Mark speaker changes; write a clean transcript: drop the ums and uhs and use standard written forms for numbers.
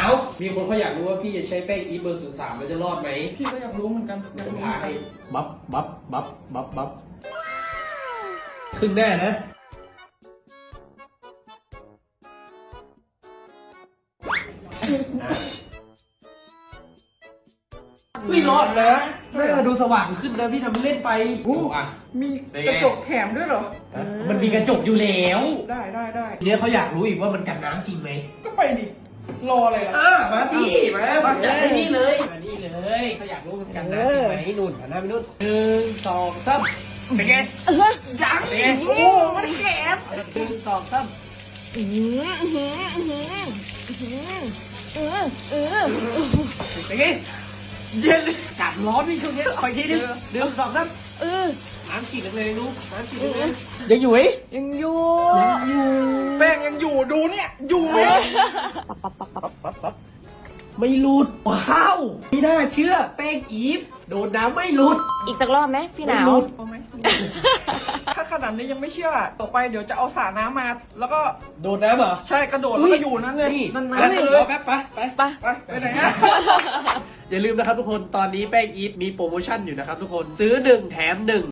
Speaker 1: าวมีคนเขาอยากรู้ว่าพี่จะใช้แป้งอีฟเบอร์03แล้วจะรอดไหม
Speaker 2: พี่ก็อยากรู้เหมือนกันอยาก
Speaker 1: ผม
Speaker 2: รู้
Speaker 1: พาให้บับครึ่งหน้านะไม่รอดนะหน้าดูสว่างขึ้นนะพี่ทำเล่นไปอ่ะ
Speaker 2: มีกระจกแถมด้วยเหรอ
Speaker 1: มันมีกระจกอยู่แล้ว
Speaker 2: ได้
Speaker 1: ทีนี้เขาอยากรู้อีกว่ามันกันน้ำจริงไหม
Speaker 2: ก็ไปดิ รออะไรล่ะ
Speaker 1: มาที่มาจัดให้นี่เลยมานี่เลยเขาอยากรู้มันกันน้ำจริงไหมนุ่นหันหน้าไปนุ่น1 2 3เป็นไงยังเป็นไง
Speaker 2: โอ้มันแขน
Speaker 1: 1 2 3เป็นไงเย็นกัดร้อนนี่ช่วงนี้คอยทีนึง1 2 3น้ำฉีดเลยนุ๊กน้ำฉีดเลยยังอยู่ไหม
Speaker 3: ยังอยู่
Speaker 2: แป้งยังอยู่ดูเนี่ยอยู่
Speaker 1: ปั๊บไม่หลุดว้าวไม่น่าเชื่อแป้งอีฟโดนน้ำไม่หลุด
Speaker 3: อีกสักรอบไหมพี่หนาว
Speaker 2: เอาไหมถ้าขนาดนี้ยังไม่เชื่อต่อไปเดี๋ยวจะเอาสระน้ำมา แล้วก็
Speaker 1: โดนน้ำเหรอ
Speaker 2: ใช่กระโดดแล้วก็อยู่นั่นเลย
Speaker 1: นี่
Speaker 2: นั่น
Speaker 1: ไป
Speaker 2: ๆเลย
Speaker 1: แป๊บไป
Speaker 2: ไปไหนอะ
Speaker 1: อย่าลืมนะครับทุกคนตอนนี้แป้งอีฟมีโปรโมชั่นอยู่นะครับทุกคนซื้อ1 แถม 1